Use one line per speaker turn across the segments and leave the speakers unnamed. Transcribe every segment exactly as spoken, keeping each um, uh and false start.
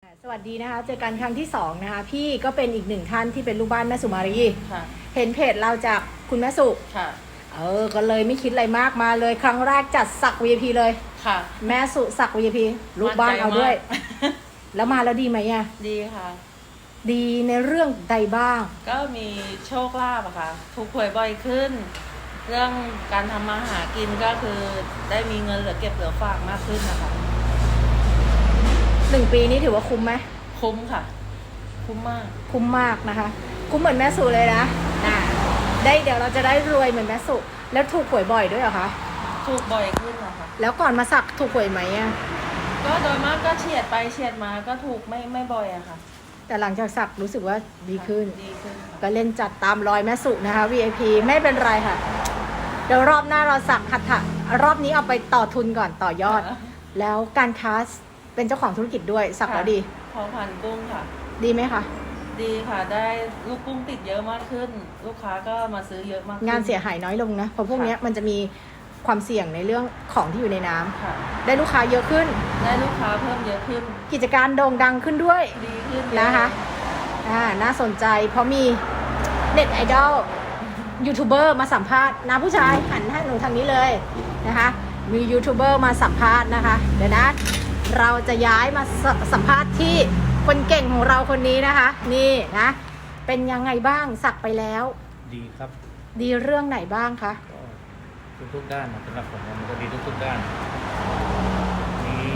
สวัสดีนะคะเจอกันครั้งที่สองนะคะพี่ก็เป็นอีกหนึ่งท่านที่เป็นลูกบ้านแม่สุมารี
ค่ะ
เห็นเพจเราจากคุณแม่สุ
ค่ะ
เออก็เลยไม่คิดอะไรมากมาเลยครั้งแรกจัดสัก วี ไอ พี เลย
ค่ะ
แม่สุสัก วี ไอ พี ลูกบ้านเอาด้วย แล้วมาแล้วดีไหมอ่ะ
ดีค่ะ
ดีในเรื่องใดบ้าง
ก็มีโชคลาภอะค่ะถูกหวยบ่อยขึ้น เรื่องการทำมาหากินก็คือได้มีเงินเหลือเก็บเหลือฝากมากขึ้นนะคะ
หนึ่งปีนี้ถือว่าคุ้มไหม
คุ้มค่ะคุ้มมาก
คุ้มมากนะคะคุ้มเหมือนแม่สุเลยนะนะได้เดี๋ยวเราจะได้รวยเหมือนแม่สุแล้วถูกหวยบ่อยด้วยเหรอคะ
ถูกบ่อยขึ้นอะค่ะ
แล้วก่อนมาสักถูกหวยไหมอ่ะ
ก็โดยมากก็เฉียดไปเฉียดมาก็ถูกไม่ไม่บ่อยอะค่ะ
แต่หลังจากสักรู้สึกว่าดีขึ้น
ดีขึ้น
ก็เล่นจัดตามรอยแม่สุนะคะ วี ไอ พี ไม่เป็นไรค่ะเดี๋ยวรอบหน้าเราสักหัตถะรอบนี้เอาไปต่อทุนก่อนต่อยอดแล้วการค้าเป็นเจ้าของธุรกิจด้วยสักแล้วดี
พอพันกุ้งค่ะ
ดีไหมคะ
ดีค่ะได้ลูกกุ้งติดเยอะมากขึ้นลูกค้าก็มาซื้อเยอะมาก
งานเสียหายน้อยลงนะเพราะพวกนี้มันจะมีความเสี่ยงในเรื่องของที่อยู่ในน้ำได้ลูกค้าเยอะขึ้น
ได้ลูกค้าเพิ่มเยอะขึ้น
กิจการโด่งดังขึ้นด้วย
ดีขึ้น
นะคะอ่าน่าสนใจเพราะมีเน็ตไอดอลยูทูบเบอร์มาสัมภาษณ์นะผู้ชายหันให้หนูทางนี้เลยนะคะมียูทูบเบอร์มาสัมภาษณ์นะคะเดี๋ยวนะเราจะย้ายมาสัมภาษณ์ที่คนเก่งของเราคนนี้นะคะนี่นะเป็นยังไงบ้างสักไปแล้ว
ดีครับ
ดีเรื่องไหนบ้างคะ
ทุกทุกด้านนะสำหรับผมมันก็ดีทุกทุกด้านนี้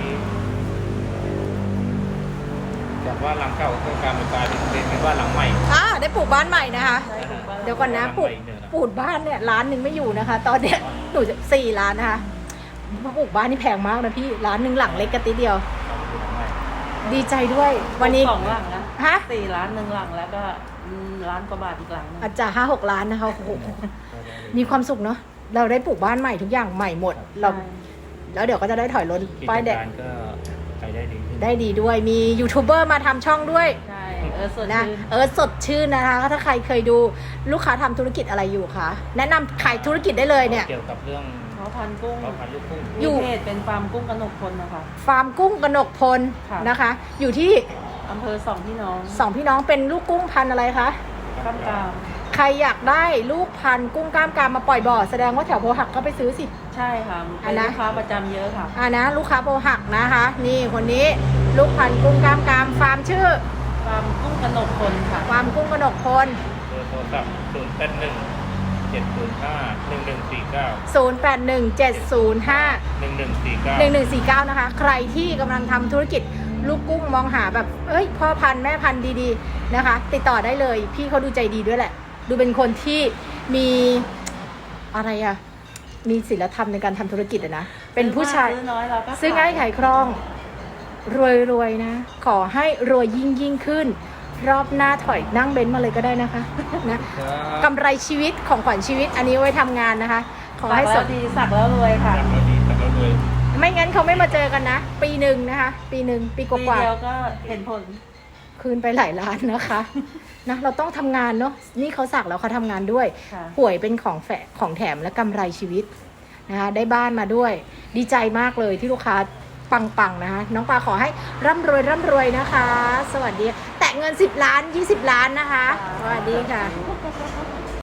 จากว่าหลังเก่าก็การเป็นกลายเป็นเป็นบ้านหลังใหม่
อ่าได้ปลูกบ้านใหม่นะคะเดี๋ยวก่อนนะปลูกปลูกบ้านเนี่ยล้านหนึ่งไม่อยู่นะคะตอนเนี้ยหนูจะสี่ล้านนะคะปลูกบ้านนี่แพงมากนะพี่ล้านหนึ่งหลังเล็กกระติเดียวดีใจด้วยวันนี้
สองหลังนะ
ฮะ
สี่ล้านหนึ่งหลังแล้วก็ล้านกว่าบาทอีกหลัง
อาจจะห้าหกล้านนะคะโอ้โหมีความสุขเนาะเราได้ปลูกบ้านใหม่ทุกอย่างใหม่หมดเราแล้วเดี๋ยวก็จะได้ถอยรถป้ายแดง
ก็ไปได้ดี
ได้ดีด้วยมียูทูบเบอร์มาทำช่องด้วย
ใช่เออสด
นะเออสดชื่นนะคะถ้าใครเคยดูลูกค้าทำธุรกิจอะไรอยู่คะแนะนำขายธุรกิจได้เลยเนี่ย
เกี่ยวกับเรื่อง
เพาะพันกุ้ง
เพาะพันลูกกุ้ง
อยู่เพจเป็นฟาร์มกุ้งกนกพลนะคะ
ฟาร์มกุ้งกนกพลนะคะอยู่ที่
อำเภอสองพี่น้อง
สองพี่น้องเป็นลูกกุ้งพันอะไรคะ
ก้ามกาม
ใครอยากได้ลูกพันกุ้งก้ามกามมาปล่อยบ่อแสดงว่าแถวโพหักก็ไปซื้อสิ
ใช่ค่ะเป็นลูกค้าประจำเยอะค่ะ
อ่านะลูกค้าโพหักนะคะนี่คนนี้ลูกพันกุ้งก้ามกามฟาร์มชื่อ
ฟาร์มกุ้งกนกพลค่ะ
ฟาร์มกุ้งกนกพล
เบอร์โทรศัพท์ศูนย์แปดหนึ่งเจ็ดศูนย์ห้าหนึ่งหนึ่งสี่เก้า
ศูนย์แปดหนึ่งเจ็ดศูนย์ห้า
หนึ่งหนึ่งสี่เก้า
หนึ่งหนึ่งสี่เก้านะคะใครที่กำลังทำธุรกิจลูกกุ้งมองหาแบบเอ้ยพ่อพันธุ์แม่พันธุ์ดีๆนะคะติดต่อได้เลยพี่เขาดูใจดีด้วยแหละดูเป็นคนที่มีอะไรอะมีศีลธรรมในการทำธุรกิจอะนะเป็นผู้ชาย
ซื้อน้อยเราก็
ซื้อง่ายขายคล่องรวยๆนะขอให้รวยยิ่งยิ่งขึ้นรอบหน้าถอยนั่งเบนซ์มาเลยก็ได้นะคะนะกำไรชีวิตของขวัญชีวิตอันนี้ไว้ทำงานนะคะขอให้
สดดีสักแล้วรวยค่ะ
สักแล้วดีสักแล้วรวย
ไม่งั้นเขาไม่มาเจอกันนะปีหนึ่งนะคะปีหนึ่งปีกว่า
ปีเดียวก็เห็นผล
คืนไปหลายล้านนะคะนะเราต้องทำงานเนาะนี่เขาสักแล้วเขาทำงานด้วยหวยเป็นของแฝงของแถมและกำไรชีวิตนะคะได้บ้านมาด้วยดีใจมากเลยที่ลูกค้าปังๆนะคะน้องปลาขอให้ร่ำรวยร่ำรวยนะคะสวัสดีแตะเงินสิบล้านยี่สิบล้านนะคะสวัสดีค่ะ